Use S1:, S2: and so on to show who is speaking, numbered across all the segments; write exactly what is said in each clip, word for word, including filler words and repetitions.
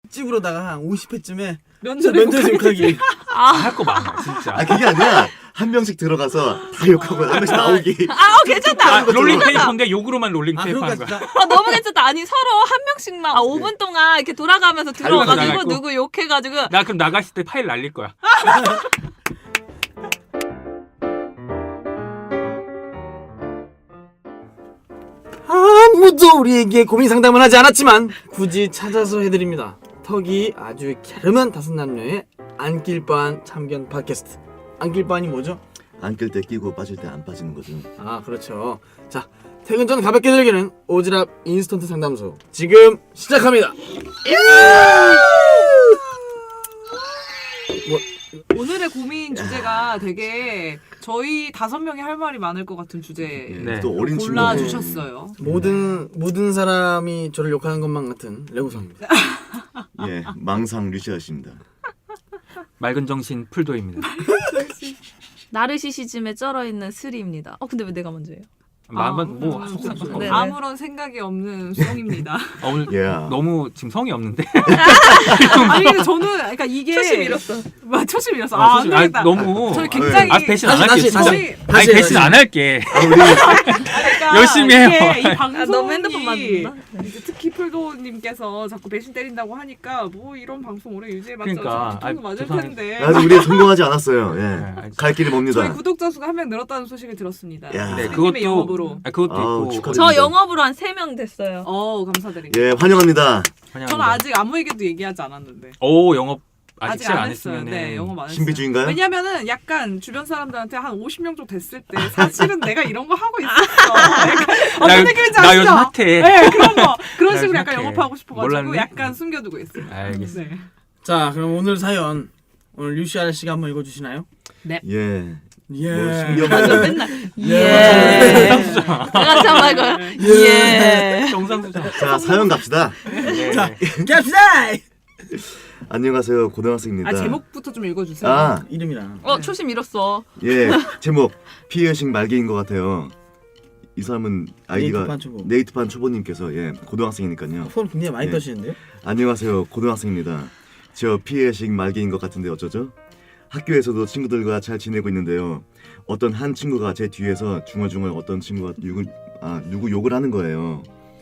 S1: 집으로다가 한 오십 회쯤에
S2: 면접에
S1: 면접에서 욕하기.
S3: 아, 할 거 많아 진짜.
S4: 아 그게 아니라 한 명씩 들어가서 다 욕하고 한 명씩 나오기.
S5: 아, 어, 괜찮다.
S3: 아, 롤링 페이퍼인데 욕으로만 롤링
S1: 아
S3: 페이퍼
S1: 그러니까
S3: 하는 거야.
S1: 진짜
S5: 아, 너무 괜찮다. 아니 서로 한 명씩만 아, 오 분 동안 이렇게 돌아가면서 들어와가지고
S3: 나가고.
S5: 누구 욕해가지고
S3: 나 그럼 나갔을 때 파일 날릴 거야.
S1: 아무도 우리에게 고민 상담을 하지 않았지만 굳이 찾아서 해드립니다. 턱이 아주 갸름한 다섯 남녀의 안길 바한 참견 팟캐스트. 안길 바한이 뭐죠?
S4: 안 끌 때 끼고 빠질 때 안 빠지는 거죠.
S1: 아 그렇죠. 자 퇴근 전 가볍게 즐기는 오지랖 인스턴트 상담소 지금 시작합니다. 뭐
S2: 오늘의 고민 주제가 되게 저희 다섯 명이 할 말이 많을 것 같은 주제
S3: 네.
S4: 또 어린 친구.
S2: 골라 주셨어요.
S1: 모든 모든 사람이 저를 욕하는 것만 같은 레고상입니다.
S4: 예, 망상 류시아씨입니다.
S3: 맑은 정신 풀도입니다.
S5: 나르시시즘에 쩔어있는 스리입니다. 어 근데 왜 내가 먼저예요?
S3: 마음은 뭐
S2: 음,
S3: 속상
S5: 네.
S3: 속상.
S2: 아무런 생각이 없는 수홍입니다.
S3: 어, 오늘
S4: 예.
S3: 너무 지금 성이 없는데.
S2: 아니 근데 저는 그러니까 이게
S5: 초심 잃었어.
S2: 마 초심 잃었어.
S3: 어,
S2: 아, 안
S3: 초심- 아니,
S2: 되겠다.
S3: 너무.
S2: 저희 굉장히
S3: 아 배신 안
S1: 다시,
S3: 할게.
S1: 다시,
S3: 진짜.
S1: 다시.
S2: 저희
S3: 아니 배신 안 할게.
S4: 아, 우리
S2: 그러니까
S3: 열심히 해요.
S2: 이게 이
S5: 아,
S2: 방송이
S5: 너무 핸드폰 만든다.
S2: 이제 특히 풀도님께서 자꾸 배신 때린다고 하니까 뭐 이런 방송 오래 유지해봤자
S3: 그러니까.
S2: 뒤통수
S3: 아,
S2: 맞을
S3: 죄송합니다.
S2: 텐데.
S4: 아직 우리 성공하지 않았어요. 예,
S3: 알겠습니다.
S4: 갈 길이
S2: 저희
S4: 멉니다.
S2: 구독자 수가 한 명 늘었다는 소식을 들었습니다.
S4: 야.
S3: 네,
S2: 선생님의
S3: 그것도
S2: 영업으로.
S3: 아, 그것도
S4: 아우,
S3: 있고.
S4: 축하드립니다.
S5: 저 영업으로 한 세 명 됐어요.
S2: 어 감사드립니다.
S4: 예, 환영합니다.
S3: 환영합니다.
S2: 저는 아직 아무에게도 얘기하지 않았는데.
S3: 오 영업 아직
S2: 아직
S3: 시작
S2: 안
S3: 안
S2: 했어요.
S3: 했으면
S2: 네, 영업 안 했어요.
S4: 신비주의인가요?
S2: 왜냐면은 약간 주변 사람들한테 한 오십 명 정도 됐을 때 사실은 내가 이런 거 하고 있었어. 약간 어떤 느낌인지 아시죠?
S3: 나 요즘 핫해.
S2: 네, 그런 거. 그런
S3: 나
S2: 식으로
S3: 요즘
S2: 약간
S3: 핫해.
S2: 영업하고 싶어가지고
S3: 몰랐네?
S2: 약간 숨겨두고 있어요.
S3: 알겠어.
S2: 네.
S1: 자 그럼 오늘 사연 오늘 류시아 씨가 한번 읽어주시나요?
S4: 예.
S1: 예.
S4: 뭐
S5: 맞아
S4: 신기한
S5: 맨날
S1: 예.
S3: 정상수장.
S5: 내가 참 말고 예.
S3: 정상수장.
S4: 자, 사연 갑시다.
S3: 네.
S1: 갑시다.
S4: 안녕하세요. 고등학생입니다.
S2: 아 제목부터 좀 읽어주세요.
S4: 아,
S1: 이름이랑.
S5: 어 초심 잃었어.
S4: 예. 제목 피해식 말개인 것 같아요. 이 사람은 아이디가
S1: 네이트판 초보.
S4: 네이트판 초보님께서 예 고등학생이니까요.
S1: 손 굉장히 많이
S4: 예.
S1: 떠시는데요?
S4: 안녕하세요. 고등학생입니다. 저 피해식 말개인 것 같은데 어쩌죠? 학교에서도 친구들과 잘 지내고 있는데요. 어떤 한 친구가 제 뒤에서 중얼중얼 어떤 친구가 욕을 아 누구 욕을 하는 거예요.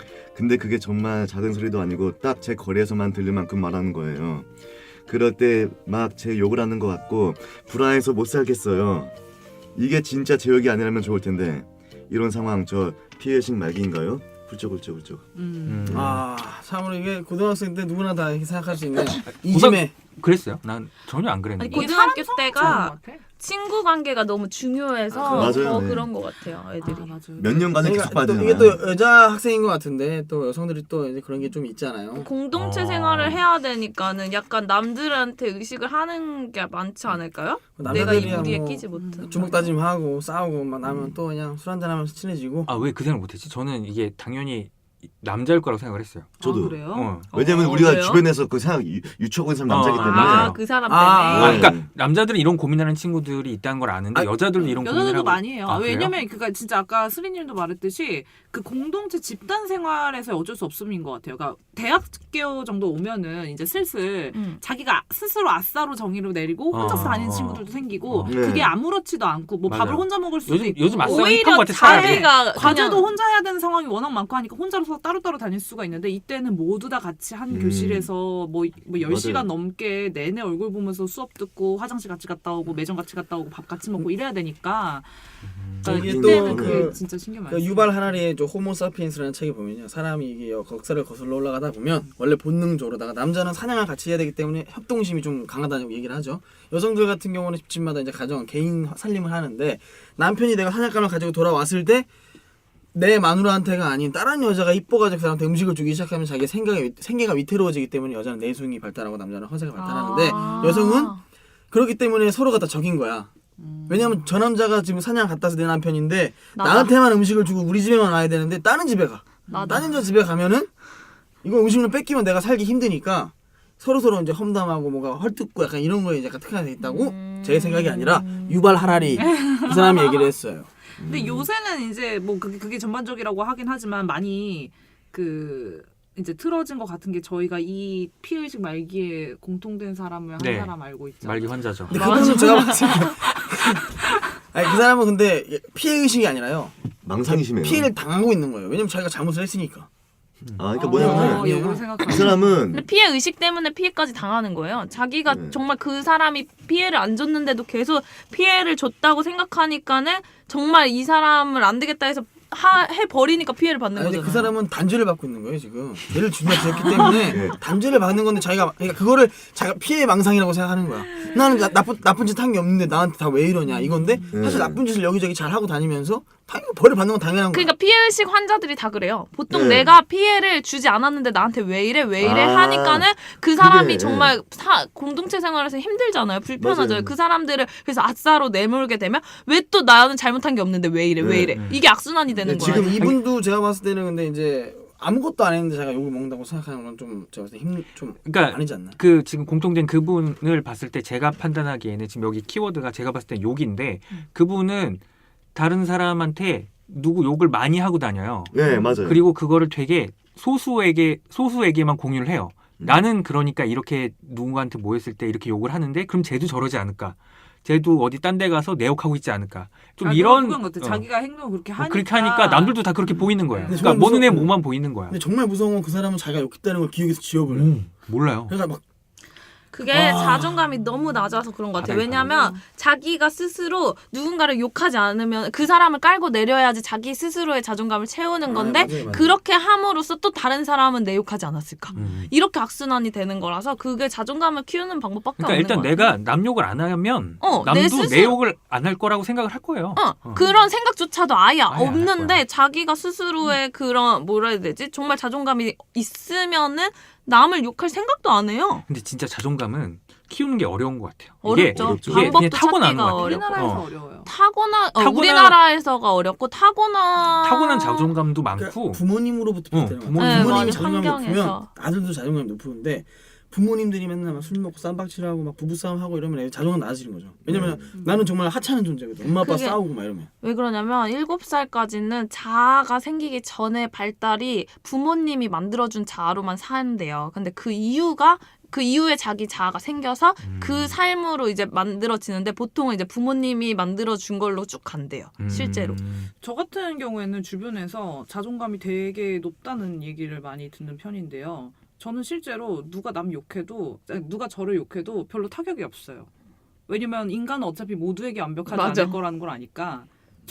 S4: 근데 그게 정말 작은 소리도 아니고 딱 제 거리에서만 들릴 만큼 말하는 거예요. 그럴 때 막 제 욕을 하는 것 같고 불안해서 못 살겠어요. 이게 진짜 제 욕이 아니라면 좋을 텐데 이런 상황 저 피해식 말기인가요? 훌쩍훌쩍훌쩍.
S2: 음.
S3: 음.
S1: 아 참으로 이게 고등학생 때 누구나 다 이렇게 생각할 수 있는 이즘에
S3: 그랬어요? 난 전혀 안 그랬는데.
S5: 아니, 고등학교
S2: 좋은
S5: 때가
S2: 것 같아.
S5: 친구 관계가 너무 중요해서
S4: 아, 맞아요.
S5: 더
S4: 네.
S5: 그런 것 같아요 애들이.
S2: 아, 맞아요.
S4: 몇 년간은
S1: 그러니까
S4: 계속 봐야
S1: 또
S4: 되잖아요.
S1: 이게 또 여자 학생인 것 같은데 또 여성들이 또 이제 그런 게 좀 있잖아요.
S5: 공동체
S3: 아.
S5: 생활을 해야 되니까는 약간 남들한테 의식을 하는 게 많지 않을까요? 내가 이
S1: 남자들이야
S5: 무리에
S1: 뭐
S5: 끼지 못한.
S1: 주먹 다짐하고 싸우고 막 나면 또 그냥 술 한잔 하면서 친해지고.
S3: 아 왜 그 생각 못했지? 저는 이게 당연히 남자일 거라고 생각을 했어요.
S4: 저도.
S2: 아, 그래요?
S3: 어.
S4: 왜냐면
S5: 어,
S4: 우리가
S5: 그래요?
S4: 주변에서 그 생각 유- 유추하고 있는 사람 남자이기
S3: 어,
S4: 때문에.
S5: 아 그 사람 때문에.
S1: 아,
S3: 아,
S4: 네.
S3: 그러니까 남자들은 이런 고민하는 친구들이 있다는 걸 아는데
S1: 아,
S3: 여자들도 이런 고민을
S2: 여자들도
S3: 하고.
S2: 많이 해요.
S3: 아, 그래요?
S2: 왜냐면 그니까 진짜 아까 스리님도 말했듯이 그 공동체 집단 생활에서 어쩔 수 없음인 것 같아요. 그러니까 대학교 정도 오면은 이제 슬슬
S5: 음.
S2: 자기가 스스로 아싸로 정의를 내리고 혼자서
S3: 어,
S2: 다니는
S3: 어.
S2: 친구들도 생기고
S4: 어. 네.
S2: 그게 아무렇지도 않고 뭐
S3: 맞아요.
S2: 밥을 혼자 먹을 수도
S3: 요즘
S2: 있고
S3: 요즘 아싸 힙한
S5: 오히려
S3: 것 같아 차라리.
S5: 자기가
S2: 과제도
S5: 그냥
S2: 혼자 해야 되는 상황이 워낙 많고 하니까 혼자서 따로따로 다닐 수가 있는데 이때는 모두 다 같이 한
S4: 음.
S2: 교실에서 뭐, 뭐 열 시간
S4: 맞아요.
S2: 넘게 내내 얼굴 보면서 수업 듣고 화장실 같이 갔다 오고 매점 같이 갔다 오고 밥 같이 먹고 이래야 되니까 그러니까
S1: 이게
S2: 이때는
S1: 또
S2: 그게
S1: 그-
S2: 진짜 신경 많이
S1: 그
S2: 써요.
S1: 유발 하라리의 저 호모 사피엔스라는 책에 보면요 사람이 이게 역사를 거슬러 올라가다 보면 원래 본능적으로다가 남자는 사냥을 같이 해야 되기 때문에 협동심이 좀 강하다고 얘기를 하죠. 여성들 같은 경우는 집집마다 이제 가정 개인 살림을 하는데 남편이 내가 사냥감을 가지고 돌아왔을 때 내 마누라한테가 아닌 다른 여자가 이뻐가지고 그 사람한테 음식을 주기 시작하면 자기 생각이 생계가 위태로워지기 때문에 여자는 내숭이 발달하고 남자는 허세가 발달하는데
S5: 아.
S1: 여성은 그렇기 때문에 서로가 다 적인 거야.
S2: 음.
S1: 왜냐면 저 남자가 지금 사냥 갔다 와서 내 남편인데
S5: 나다.
S1: 나한테만 음식을 주고 우리 집에만 와야 되는데 다른 집에 가.
S5: 나다.
S1: 다른 여자 집에 가면은 이거 음식을 뺏기면 내가 살기 힘드니까 서로 서로 이제 험담하고 뭐가 헐뜯고 약간 이런 거에 약간 특화돼 있다고
S5: 음.
S1: 제 생각이 아니라 유발 하라리 그 사람이 얘기를 했어요.
S2: 근데 요새는 이제 뭐 그게, 그게 전반적이라고 하긴 하지만 많이 그 이제 틀어진 것 같은 게 저희가 이 피해의식 말기에 공통된 사람을
S3: 네.
S2: 한 사람 알고 있죠.
S3: 말기 환자죠.
S1: 근데 그거는 제가 봤을 때 아니 그 사람은 근데 피해 의식이 아니라요.
S4: 망상이 심해요.
S1: 피해를 당하고 있는 거예요. 왜냐면 자기가 잘못을 했으니까.
S4: 아 그러니까
S2: 어,
S4: 뭐냐면
S2: 역으로 생각하면
S4: 이 사람은
S5: 근데 피해 의식 때문에 피해까지 당하는 거예요. 자기가
S4: 네.
S5: 정말 그 사람이 피해를 안 줬는데도 계속 피해를 줬다고 생각하니까는 정말 이 사람을 안 되겠다 해서 하, 해버리니까 피해를 받는
S1: 아니, 근데
S5: 거잖아요.
S1: 그 사람은 단죄를 받고 있는 거예요 지금. 죄를 준다 지었기 때문에
S4: 네.
S1: 단죄를 받는 건데 자기가 그러니까 그거를 자기가 피해 망상이라고 생각하는 거야. 나는 나, 나쁜 나쁜 짓 한 게 없는데 나한테 다 왜 이러냐 이건데
S4: 네.
S1: 사실 나쁜 짓을 여기저기 잘 하고 다니면서 당연히 벌을 받는 건 당연한 거야.
S5: 그러니까 피해의식 환자들이 다 그래요. 보통
S4: 네.
S5: 내가 피해를 주지 않았는데 나한테 왜 이래 왜 이래
S4: 아,
S5: 하니까는 그 사람이
S4: 그래.
S5: 정말 사, 공동체 생활에서 힘들잖아요. 불편하죠.
S4: 맞아요.
S5: 그 사람들을 그래서 아싸로 내몰게 되면 왜 또 나는 잘못한 게 없는데 왜 이래 왜
S4: 네.
S5: 이래 이게 악순환이 되는
S1: 근데
S5: 거야.
S1: 지금 이분도 제가 봤을 때는 근데 이제 아무것도 안 했는데 제가 욕을 먹는다고 생각하는 건 좀 제가 봤을 때 힘 좀
S3: 그러니까
S1: 아니지 않나.
S3: 그 지금 공통된 그분을 봤을 때 제가 판단하기에는 지금 여기 키워드가 제가 봤을 때 욕인데 그분은 다른 사람한테 누구 욕을 많이 하고 다녀요.
S4: 네 맞아요.
S3: 그리고 그거를 되게 소수에게 소수에게만 공유를 해요.
S4: 음.
S3: 나는 그러니까 이렇게 누군가한테 모였을 때 이렇게 욕을 하는데 그럼 쟤도 저러지 않을까? 쟤도 어디 딴 데 가서 내 욕하고 있지 않을까? 좀
S2: 아,
S3: 이런
S2: 그건 같아.
S3: 어.
S2: 자기가 행동을 그렇게 하니까
S3: 그렇게 하니까 남들도 다 그렇게 보이는 거예요.
S1: 근데
S3: 그러니까
S1: 저는
S3: 모는 애
S1: 무서워.
S3: 뭐만 보이는 거야.
S1: 근데 정말 무서운 건 그 사람은 자기가 욕했다는 걸 기억에서 지워버려. 요
S3: 음, 몰라요.
S1: 그러니까 막
S5: 그게
S1: 와.
S5: 자존감이 너무 낮아서 그런 것 같아요.
S3: 바닥이
S5: 왜냐하면 자기가 스스로 누군가를 욕하지 않으면 그 사람을 깔고 내려야지 자기 스스로의 자존감을 채우는
S1: 아,
S5: 건데
S1: 맞아요, 맞아요.
S5: 그렇게 함으로써 또 다른 사람은 내 욕하지 않았을까?
S3: 음.
S5: 이렇게 악순환이 되는 거라서 그게 자존감을 키우는 방법밖에
S3: 그러니까
S5: 없는
S3: 일단
S5: 거야.
S3: 내가 남 욕을 안 하면
S5: 어, 내
S3: 남도 내,
S5: 스스로-
S3: 욕을 안 할 거라고 생각을 할 거예요.
S5: 어,
S3: 어.
S5: 그런 생각조차도 아예,
S3: 아예 안할
S5: 없는데
S3: 거야.
S5: 자기가 스스로의 그런 뭐라 해야 되지? 정말 자존감이 있으면은 남을 욕할 생각도 안 해요.
S3: 근데 진짜 자존감은 키우는 게 어려운 것 같아요. 이게,
S5: 어렵죠.
S4: 어렵죠.
S3: 이게
S5: 방법도
S3: 그냥 타고나는
S5: 찾기가
S3: 것 같아요.
S2: 우리나라에서
S3: 어.
S2: 어. 려워요
S5: 타고나, 어,
S3: 타고나-
S5: 우리나라에서가 어렵고 타고나
S3: 타고난 자존감도
S1: 그러니까
S3: 많고
S1: 부모님으로부터
S3: 어,
S1: 비롯되는 거야.
S3: 부모님.
S5: 네,
S1: 부모님이
S5: 맞아.
S1: 자존감이 높으면
S5: 환경에서.
S1: 아들도 자존감이 높은데 부모님들이 맨날 막 술 먹고 쌈박질하고 막 부부싸움 하고 이러면 애들 자존감 낮아지는 거죠. 왜냐면 나는 정말 하찮은 존재거든. 엄마 아빠
S5: 그게-
S1: 싸우고 막 이러면.
S5: 왜 그러냐면 일곱 살까지는 자아가 생기기 전에 발달이 부모님이 만들어준 자아로만 사는데요. 근데 그 이유가 그 이후에 자기 자아가 생겨서
S3: 음.
S5: 그 삶으로 이제 만들어지는데 보통은 이제 부모님이 만들어준 걸로 쭉 간대요.
S3: 음.
S5: 실제로.
S2: 저 같은 경우에는 주변에서 자존감이 되게 높다는 얘기를 많이 듣는 편인데요. 저는 실제로 누가 남 욕해도 아니, 누가 저를 욕해도 별로 타격이 없어요. 왜냐면 인간은 어차피 모두에게 완벽하지
S5: 맞아.
S2: 않을 거라는 걸 아니까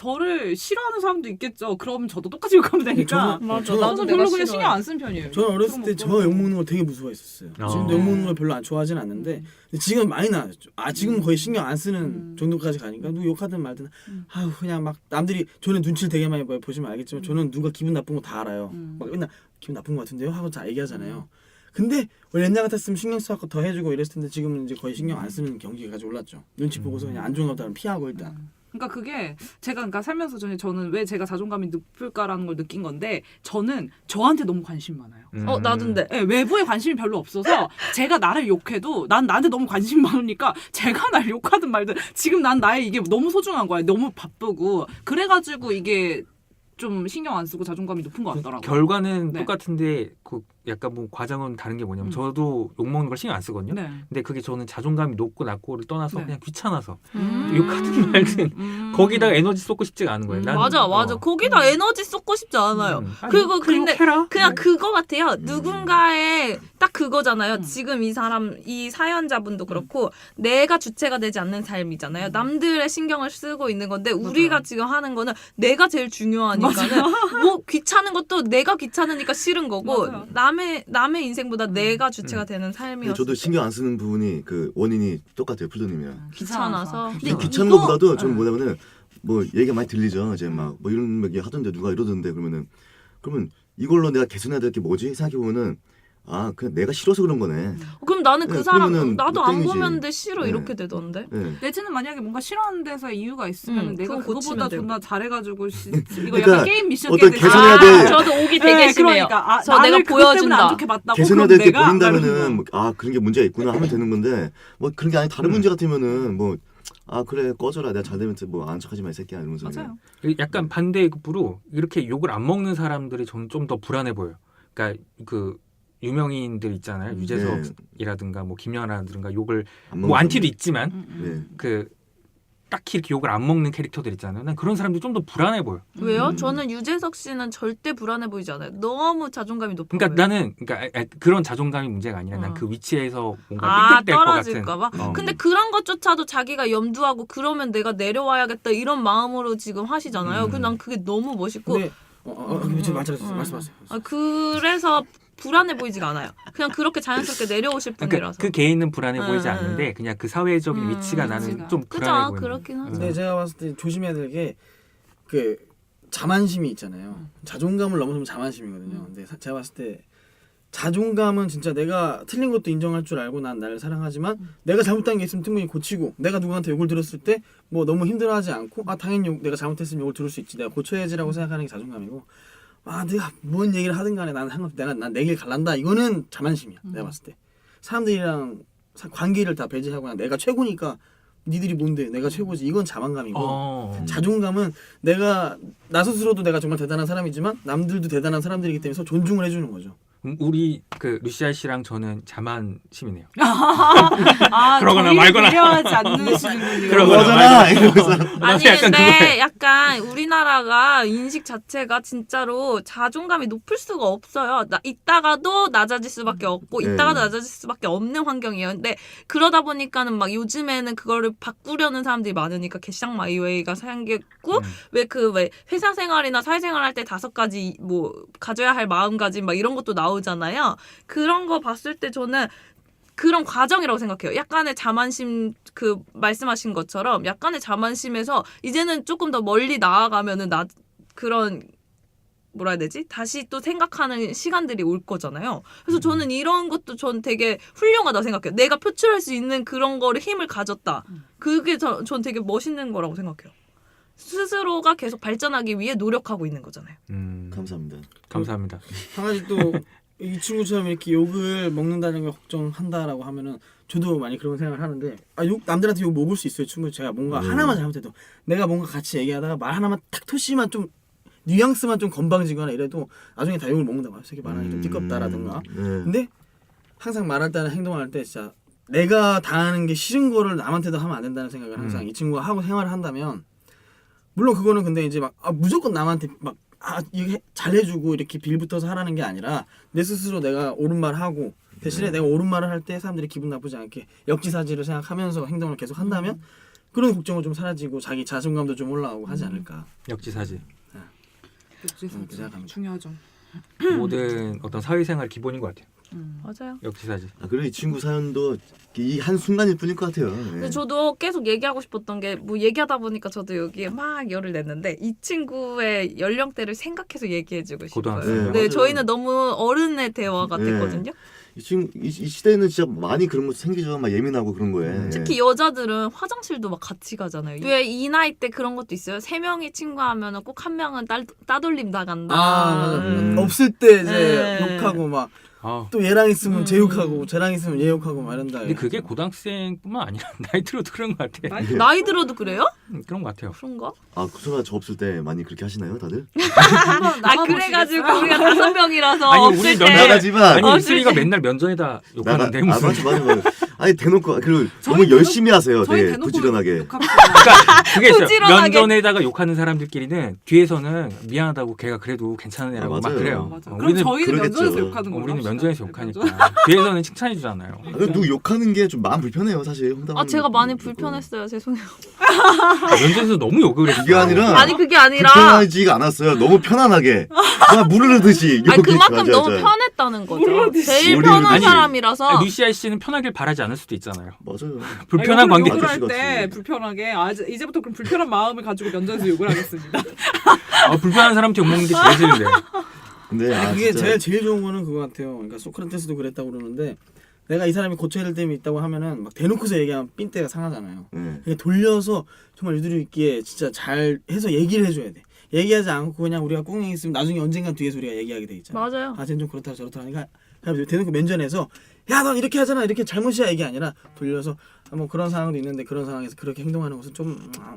S2: 저를 싫어하는 사람도 있겠죠. 그럼 저도 똑같이 욕하면 되니까.
S1: 저는-
S5: 맞아,
S1: 저는-
S5: 나도
S2: 저는
S5: 내가
S2: 별로 그냥
S5: 싫어해.
S2: 신경 안 쓴 편이에요.
S1: 저는 어렸을
S2: 그럼
S1: 때
S2: 뭐
S1: 저
S2: 그런
S1: 욕먹는 걸 되게 무서워했었어요.
S3: 어.
S1: 지금도 욕먹는 걸 별로 안 좋아하진 않는데 근데 지금 많이 나아졌죠. 아 지금 거의 신경 안 쓰는
S2: 음.
S1: 정도까지 가니까 누구 욕하든 말든
S2: 음.
S1: 아우 그냥 막 남들이 저는 눈치를 되게 많이 봐요. 보시면 알겠지만 저는 누가 기분 나쁜 거 다 알아요.
S2: 음.
S1: 막 맨날 기분 나쁜 거 같은데요 하고 다 얘기하잖아요. 근데 원래 옛날 같았으면 신경 써서 더 해주고 이랬을 텐데 지금은 이제 거의 신경 안 쓰는 경지까지 올랐죠. 눈치 보고서 그냥 안 좋은 것들은 피하고 일단.
S2: 음. 그러니까 그게 제가 그러니까 살면서 전에 저는 왜 제가 자존감이 높을까라는 걸 느낀 건데 저는 저한테 너무 관심 많아요.
S3: 음.
S5: 어, 나도인데.
S2: 네, 외부에 관심이 별로 없어서 제가 나를 욕해도 난 나한테 너무 관심이 많으니까 제가 날 욕하든 말든 지금 난 나의 이게 너무 소중한 거야. 너무 바쁘고 그래가지고 이게 좀 신경 안 쓰고 자존감이 높은 것 같더라고요.
S3: 결과는
S2: 네.
S3: 똑같은데 그 약간 뭐 과정은 다른 게 뭐냐면
S2: 음.
S3: 저도 욕 먹는 걸 신경 안 쓰거든요.
S2: 네.
S3: 근데 그게 저는 자존감이 높고 낮고를 떠나서
S2: 네.
S3: 그냥 귀찮아서
S5: 음.
S3: 욕하든 말든
S2: 음.
S3: 거기다가 에너지 쏟고 싶지가 않은 거예요.
S2: 음.
S3: 나는,
S5: 맞아, 맞아.
S3: 어.
S5: 거기다 에너지 쏟고 싶지 않아요.
S3: 음. 아니,
S5: 그리고
S3: 그래,
S5: 근데
S3: 욕해라.
S5: 그냥 그거 같아요. 누군가의 딱 그거잖아요.
S2: 음.
S5: 지금 이 사람, 이 사연자분도 그렇고 내가 주체가 되지 않는 삶이잖아요. 남들의 신경을 쓰고 있는 건데 우리가 지금 하는 거는 내가 제일 중요하니까는 뭐 귀찮은 것도 내가 귀찮으니까 싫은 거고
S2: 맞아요.
S5: 남의 남의 인생보다 내가 주체가
S3: 음.
S5: 되는
S4: 근데
S5: 삶이었어.
S4: 저도 신경 안 쓰는 부분이 그 원인이 똑같아요 플루님이랑.
S5: 귀찮아서.
S4: 근데
S2: 근데
S4: 귀찮은
S2: 이거-
S4: 것보다도 저는
S2: 네.
S4: 뭐냐면은 뭐 얘기가 많이 들리죠. 이제 막 뭐 이런 얘기 하던데 누가 이러던데 그러면은 그러면 이걸로 내가 개선해야 될 게 뭐지 생각해 보면은 아 그냥 내가 싫어서 그런 거네.
S5: 어, 그럼 나는 그
S4: 네,
S5: 사람
S4: 그러면은
S5: 나도 안
S4: 땡이지.
S5: 보면 돼 싫어
S4: 네.
S5: 이렇게 되던데.
S4: 네.
S2: 내지는 만약에 뭔가 싫어하는 데서 이유가 있으면
S5: 음,
S2: 내가
S5: 그거 고치면
S2: 그거보다
S5: 돼요.
S2: 존나 잘해가지고 시, 이거
S4: 그러니까
S2: 약간 게임 미션
S4: 어떤
S2: 깨듯이
S4: 개선해야
S2: 아,
S4: 돼.
S5: 저도 오기 되게
S2: 네,
S5: 심해요.
S2: 그러니까 아,
S5: 저
S2: 나를
S5: 내가
S2: 그것 때문에
S5: 보여준다.
S2: 안 좋게 봤다고
S4: 개선해야
S2: 그럼
S4: 될 게
S2: 내가
S4: 보인다면은 뭐, 아 그런 게 문제가 있구나 하면 되는 건데 뭐 그런 게 아니 다른
S3: 음.
S4: 문제 같으면은 뭐 아 그래 꺼져라 내가 잘 되면 뭐 안 척하지 마 이 새끼야 이러면서
S2: 맞아요.
S3: 약간 반대의 급부로 이렇게 욕을 안 먹는 사람들이 저는 좀 더 불안해 보여요. 그러니까 그 유명인들 있잖아요.
S5: 음.
S3: 유재석이라든가 뭐 김연아라든가 욕을
S4: 안
S3: 뭐
S4: 먹는
S3: 안티도
S4: 사람들.
S3: 있지만
S2: 음, 음.
S4: 네.
S3: 그 딱히 이렇게 욕을 안 먹는 캐릭터들 있잖아요. 난 그런 사람들이 좀 더 불안해 보여.
S5: 왜요?
S4: 음.
S5: 저는 유재석 씨는 절대 불안해 보이지 않아요. 너무 자존감이 높아
S3: 그러니까
S5: 보여요.
S3: 나는 그러니까 아, 아, 그런 자존감이 문제가 아니라 난
S5: 어.
S3: 그 위치에서 뭔가
S5: 아
S3: 삐끗될 것 같은.
S5: 떨어질까봐.
S3: 어.
S5: 근데 그런 것조차도 자기가 염두하고 그러면 내가 내려와야겠다 이런 마음으로 지금 하시잖아요.
S3: 음.
S5: 그난 그게 너무 멋있고.
S1: 근데 어, 어, 어,
S5: 음,
S1: 지금
S5: 음,
S1: 말씀하세요.
S5: 음.
S1: 말씀하세요.
S5: 아, 그래서 불안해 보이지가 않아요. 그냥 그렇게 자연스럽게 내려오실
S3: 그러니까
S5: 분이라서.
S3: 그 개인은 불안해
S5: 음,
S3: 보이지
S5: 음.
S3: 않는데 그냥 그 사회적인
S5: 음,
S3: 위치가 나는
S2: 위치가.
S3: 좀 불안해
S5: 그죠?
S3: 보이는.
S5: 그렇긴 하죠.
S1: 근데 제가 봤을 때 조심해야 될 게 그 자만심이 있잖아요. 자존감을 넘어서면 자만심이거든요. 근데 사- 제가 봤을 때 자존감은 진짜 내가 틀린 것도 인정할 줄 알고 난 나를 사랑하지만 내가 잘못한 게 있으면 충분히 고치고 내가 누구한테 욕을 들었을 때 뭐 너무 힘들어하지 않고 아 당연히 욕, 내가 잘못했으면 욕을 들을 수 있지 내가 고쳐야지라고 생각하는 게 자존감이고 아 내가 뭔 얘기를 하든 간에 나는 상관없어 내가 난 내 길 갈란다 이거는 자만심이야. 내가 봤을 때 사람들이랑 사- 관계를 다 배제하고 그냥 내가 최고니까 니들이 뭔데 내가 최고지 이건 자만감이고
S3: 어.
S1: 자존감은 내가 나 스스로도 내가 정말 대단한 사람이지만 남들도 대단한 사람들이기 때문에 서로 존중을 해주는 거죠.
S3: 음, 우리 그 루시아 씨랑 저는 자만심이네요.
S2: 아,
S3: 그러거나
S2: 저희를
S3: 말거나.
S2: 배려하지 않으시는군요.
S3: 그러거나
S4: 그러잖아 이러면서.
S5: 아니
S3: 약간
S5: 근데
S3: 그거예요.
S5: 약간 우리나라가 인식 자체가 진짜로 자존감이 높을 수가 없어요. 나 있다가도 낮아질 수밖에 없고
S4: 네.
S5: 있다가도 낮아질 수밖에 없는 환경이에요. 근데 그러다 보니까는 막 요즘에는 그거를 바꾸려는 사람들이 많으니까 개쌍 마이웨이가 생겼고
S3: 음.
S5: 왜 그 왜 회사 생활이나 사회생활 할 때 다섯 가지 뭐 가져야 할 마음가짐 막 이런 것도 나오잖아요. 그런 거 봤을 때 저는 그런 과정이라고 생각해요. 약간의 자만심 그 말씀하신 것처럼 약간의 자만심에서 이제는 조금 더 멀리 나아가면은 나 그런 뭐라 해야 되지? 다시 또 생각하는 시간들이 올 거잖아요. 그래서 저는 이런 것도 전 되게 훌륭하다 생각해요. 내가 표출할 수 있는 그런 거를 힘을 가졌다. 그게 저, 전 되게 멋있는 거라고 생각해요. 스스로가 계속 발전하기 위해 노력하고 있는 거잖아요.
S3: 음,
S4: 감사합니다.
S3: 감사합니다.
S1: 한 가지 또 이 친구처럼 이렇게 욕을 먹는다는 걸 걱정한다라고 하면은 저도 많이 그런 생각을 하는데 아 욕 남들한테 욕 먹을 수 있어요. 충분히 제가 뭔가
S4: 음.
S1: 하나만 잘못해도 내가 뭔가 같이 얘기하다가 말 하나만 탁 토시만 좀 뉘앙스만 좀 건방지거나 이래도 나중에 다 욕을 먹는다고 해요. 새끼 말하기 좀 띠껍다라든가.
S4: 네.
S1: 근데 항상 말할 때나 행동할 때 진짜 내가 당하는 게 싫은 거를 남한테도 하면 안 된다는 생각을 항상
S3: 음.
S1: 이 친구가 하고 생활을 한다면 물론 그거는 근데 이제 막 아, 무조건 남한테 막 아, 이게 잘해주고 이렇게 빌붙어서 하라는 게 아니라 내 스스로 내가 옳은 말 하고 대신에 내가 옳은 말을 할 때 사람들이 기분 나쁘지 않게 역지사지를 생각하면서 행동을 계속 한다면 그런 걱정은 좀 사라지고 자기 자존감도 좀 올라오고 하지 않을까.
S3: 역지사지.
S2: 역시
S1: 음, 그 생각합니다.
S2: 중요하죠.
S3: 모든 어떤 사회생활 기본인 것 같아요.
S2: 음.
S5: 맞아요.
S3: 역지사지.
S4: 아, 그리고 이 친구 사연도 이 한 순간일 뿐일 것 같아요. 네.
S5: 근데 저도 계속 얘기하고 싶었던 게 뭐 얘기하다 보니까 저도 여기에 막 열을 냈는데 이 친구의 연령대를 생각해서 얘기해주고 싶어요.
S3: 고등학생.
S4: 네,
S5: 네,
S4: 맞아요.
S5: 저희는 너무 어른의 대화 같았거든요.
S4: 이 친구 이, 이 시대에는 진짜 많이 그런 거 생기죠. 막 예민하고 그런 거에.
S5: 특히 여자들은 화장실도 막 같이 가잖아요. 왜 이 나이 때 그런 것도 있어요. 세 명이 친구하면은 꼭 한 명은 따, 따돌림 나간다.
S1: 아 맞아.
S3: 음.
S1: 없을 때 이제
S5: 네.
S1: 욕하고 막
S3: 아,
S1: 또 얘랑 있으면
S5: 음.
S1: 쟤 욕하고 쟤랑 있으면 얘 욕하고 막 이런다.
S3: 근데 그게 고등학생뿐만 아니라 나이 들어도 그런 것 같아.
S2: 나이-
S5: 나이 들어도 그래요?
S3: 음, 그런 것 같아요.
S5: 그런가?
S4: 아 구소가 저 없을 때 많이 그렇게 하시나요, 다들?
S5: 아 그래가지고 우리가 다섯 명이라서
S3: 아니,
S5: 없을
S3: 우리
S5: 때
S3: 면-
S4: 나가지만
S3: 아니
S5: 어,
S3: 이슬이가
S5: 실제-
S3: 맨날 면전에다
S4: 나가.
S3: 욕하는데
S4: 아
S3: 무슨?
S4: 맞아 맞아 맞아. 아니 대놓고 그리고
S2: 저희
S4: 너무
S2: 대놓고-
S4: 열심히 하세요.
S2: 저희
S4: 되게
S2: 대놓고
S4: 부지런하게.
S2: 욕합시다.
S3: 그러니까 그게 있어요.
S5: 부지런하게.
S3: 면전에다가 욕하는 사람들끼리는 뒤에서는 미안하다고 걔가 그래도 괜찮은 애라고
S4: 아,
S3: 막
S4: 맞아요.
S3: 그래요.
S2: 맞아.
S3: 어,
S2: 그럼
S3: 우리는
S2: 저희는
S4: 그러겠죠.
S2: 면전에서 욕하는
S3: 어,
S2: 걸로
S3: 우리는
S2: 합시다.
S3: 면전에서
S2: 면전.
S3: 욕하니까 뒤에서는 칭찬해 주잖아요.
S4: 아, 그리고 누구 욕하는 게 좀 마음 불편해요, 사실. 홍당하는
S5: 아 제가 많이
S4: 거.
S5: 불편했어요. 죄송해요.
S3: 면전에서 너무 욕을 했어.
S4: 이게 아니라
S5: 아니 그게 아니라
S4: 불편하지가 않았어요. 너무 편안하게 그냥 무르르듯이
S5: 아니
S4: 욕이
S5: 그만큼
S4: 맞아,
S5: 너무
S4: 맞아.
S5: 편했다는 거죠.
S2: 모르듯이.
S5: 제일
S4: 모르듯이.
S5: 편한
S3: 아니,
S5: 사람이라서
S3: 아니, 루시아 씨는 편하길 바라지 않을 수도 있잖아요.
S4: 맞아요.
S3: 불편한
S2: 아니,
S3: 관계.
S2: 욕을
S4: 아저씨
S2: 할때
S4: 같이.
S2: 불편하게 아, 이제- 이제부터 그럼 불편한 마음을 가지고 면전에서 욕을 하겠습니다.
S3: 아, 불편한 사람한테 욕 먹는 게 제일 싫은데.
S4: 근데 아,
S1: 아니, 그게
S4: 진짜
S1: 제일 제일 좋은 거는 그거 같아요. 그러니까 소크라테스도 그랬다고 그러는데 내가 이 사람이 고쳐야 될 점이 있다고 하면은 막 대놓고서 얘기하면 삔대가 상하잖아요.
S4: 네.
S1: 그냥 돌려서 정말 유두리 있게 진짜 잘 해서 얘기를 해줘야 돼. 얘기하지 않고 그냥 우리가 꽁냥 있으면 나중에 언젠간 뒤에서 우리가 얘기하게 돼 있잖아.
S5: 맞아요.
S1: 아, 쟤는 좀 그렇다 저렇다 하니까 그냥 대놓고 면전에서 야, 너 이렇게 하잖아. 이렇게 잘못이야 이게 아니라 돌려서 아, 뭐 그런 상황도 있는데 그런 상황에서 그렇게 행동하는 것은 좀 아,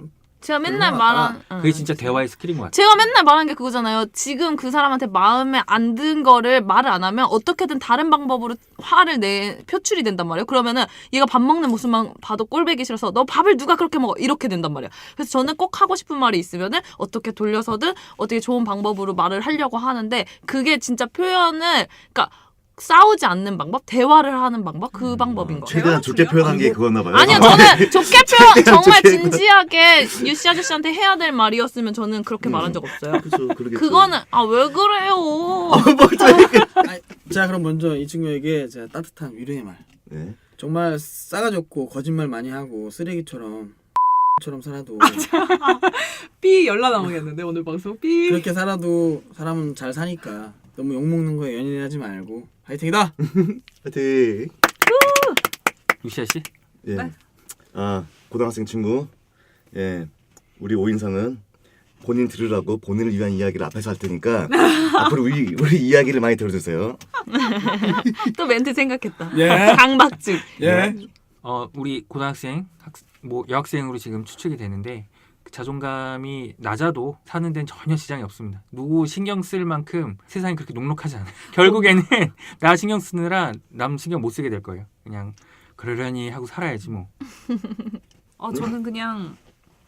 S5: 제가 맨날
S1: 그런 것
S5: 말한
S1: 같다.
S5: 응.
S3: 그게 진짜 대화의 스킬인 것 같아요.
S5: 제가 맨날 말하는 게 그거잖아요. 지금 그 사람한테 마음에 안 든 거를 말을 안 하면 어떻게든 다른 방법으로 화를 내 표출이 된단 말이에요. 그러면은 얘가 밥 먹는 모습만 봐도 꼴보기 싫어서 너 밥을 누가 그렇게 먹어 이렇게 된단 말이에요. 그래서 저는 꼭 하고 싶은 말이 있으면은 어떻게 돌려서든 어떻게 좋은 방법으로 말을 하려고 하는데 그게 진짜 표현을 그러니까 싸우지 않는 방법, 대화를 하는 방법 그 방법인 거예요.
S4: 최대한 좋게 표현한 게 그거나 봐요.
S5: 아니요, 저는 좋게 표현 정말 진지하게 유씨 아저씨한테 해야 될 말이었으면 저는 그렇게 말한 적 없어요.
S4: 그렇죠, 그러겠죠.
S5: 그거는 아 왜 그래요?
S1: 아니, 자 그럼 먼저 이 친구에게 제가 따뜻한 위로의 말.
S4: 네.
S1: 정말 싸가지 없고 거짓말 많이 하고 쓰레기처럼 처럼 살아도
S2: 삐 연락 나오겠는데 오늘 방송 삐.
S1: 그렇게 살아도 사람은 잘 사니까 너무 욕먹는 거에 연연하지 말고 화이팅이다.
S4: 하여튼
S3: 유시아 씨?
S4: 예.
S2: 네.
S4: 아 고등학생 친구. 예. 우리 오인상은 본인 들으라고 본인을 위한 이야기를 앞에서 할 테니까 앞으로 우리 우리 이야기를 많이 들어주세요.
S5: 또 멘트 생각했다.
S1: 예.
S5: 강박증.
S1: 예.
S3: 어 우리 고등학생 학, 뭐 여학생으로 지금 추측이 되는데 그 자존감이 낮아도 사는 데는 전혀 지장이 없습니다. 누구 신경 쓸 만큼 세상이 그렇게 녹록하지 않아요. 결국에는 나 신경 쓰느라 남 신경 못 쓰게 될 거예요. 그냥 그러려니 하고 살아야지 뭐.
S2: 어 저는 그냥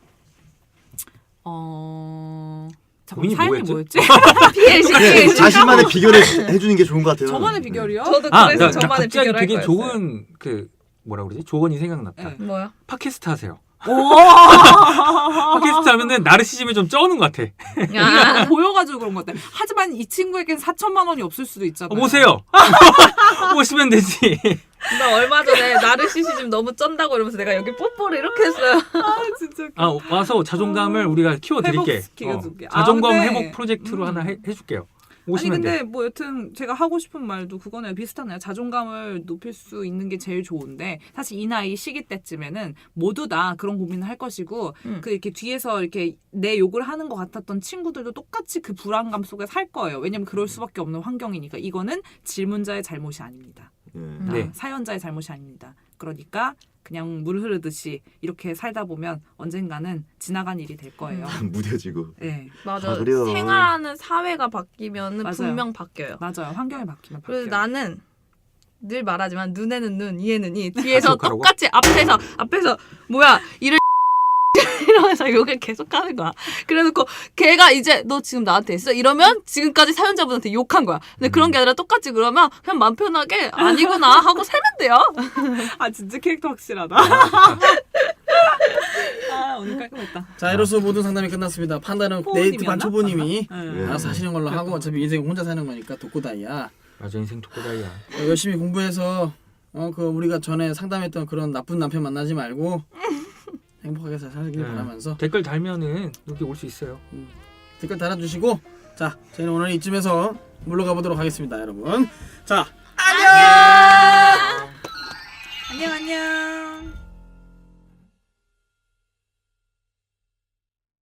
S2: 어
S3: 고민이
S2: 잠깐 사연이
S3: 뭐였죠?
S2: 뭐였지?
S5: 피해식
S4: 네,
S5: 피해식.
S4: 자신만의 비결을 해주는 게 좋은 것 같아요.
S2: 저만의 비결이요?
S5: 저도
S3: 아,
S5: 그래서
S3: 나, 나
S5: 저만의
S3: 갑자기
S5: 비결 할
S3: 되게
S5: 거였어요.
S3: 좋은 그 뭐라 그러지? 조언이 생각났다.
S2: 네.
S5: 뭐야?
S3: 팟캐스트 하세요.
S2: 오.
S3: 팟캐스트 하면은 나르시즘을 좀 쩌는 것 같아.
S5: 야.
S2: 보여가지고 그런 것 같아. 하지만 이 친구에겐 사천만 원이 없을 수도 있잖아요.
S3: 어, 오세요. 오시면 되지.
S5: 나 얼마 전에 나르시시즘 너무 쩐다고 이러면서 내가 여기 뽀뽀를 이렇게 했어요.
S2: 아 진짜. 웃겨.
S3: 아 와서 자존감을 우리가 키워드릴게.
S2: 회복시켜줄게. 아,
S3: 자존감
S2: 근데-
S3: 회복 프로젝트로
S2: 음.
S3: 하나 해, 해줄게요.
S2: 아니
S3: 오시면
S2: 근데
S3: 돼.
S2: 뭐 여튼 제가 하고 싶은 말도 그거네요. 비슷하네요. 자존감을 높일 수 있는 게 제일 좋은데 사실 이 나이 시기 때쯤에는 모두 다 그런 고민을 할 것이고
S5: 음.
S2: 그 이렇게 뒤에서 이렇게 내 욕을 하는 것 같았던 친구들도 똑같이 그 불안감 속에 살 거예요. 왜냐면 그럴 수밖에 없는 환경이니까 이거는 질문자의 잘못이 아닙니다.
S4: 예.
S2: 아,
S3: 네.
S2: 사연자의 잘못이 아닙니다. 그러니까 그냥 물 흐르듯이 이렇게 살다 보면 언젠가는 지나간 일이 될 거예요.
S4: 무뎌지고.
S2: 네,
S5: 맞아.
S4: 아, 그래요.
S5: 생활하는 사회가 바뀌면은
S2: 맞아요.
S5: 분명 바뀌어요.
S2: 맞아요. 환경이 바뀌면 바뀌어요.
S5: 그래서 나는 늘 말하지만 눈에는 눈, 이에는 이. 뒤에서
S3: 계속하라고?
S5: 똑같이 앞에서 앞에서 뭐야 이를 이러면서 욕을 계속 하는 거야. 그래놓고 걔가 이제 너 지금 나한테 했어? 이러면 지금까지 사연자분한테 욕한 거야. 근데 그런 게 아니라 똑같이 그러면 그냥 마음 편하게 아니구나 하고 살면 돼요.
S2: 아 진짜 캐릭터 확실하다. 아 오늘 깔끔했다.
S1: 자 이로써 모든 상담이 끝났습니다. 판단은
S2: 초보님이었나?
S1: 네이트판 초보님이
S2: 네.
S1: 알아서 하시는 걸로 하고 어차피 인생 혼자 사는 거니까 독고다이야.
S3: 맞아 인생 독고다이야.
S1: 어, 열심히 공부해서 어 그 우리가 전에 상담했던 그런 나쁜 남편 만나지 말고 행복하게 잘 살길
S3: 네.
S1: 바라면서
S3: 댓글 달면은 여기 올 수 있어요.
S1: 댓글 달아주시고 자 저희는 오늘 이쯤에서 물러가 보도록 하겠습니다 여러분. 자
S2: 안녕 안녕.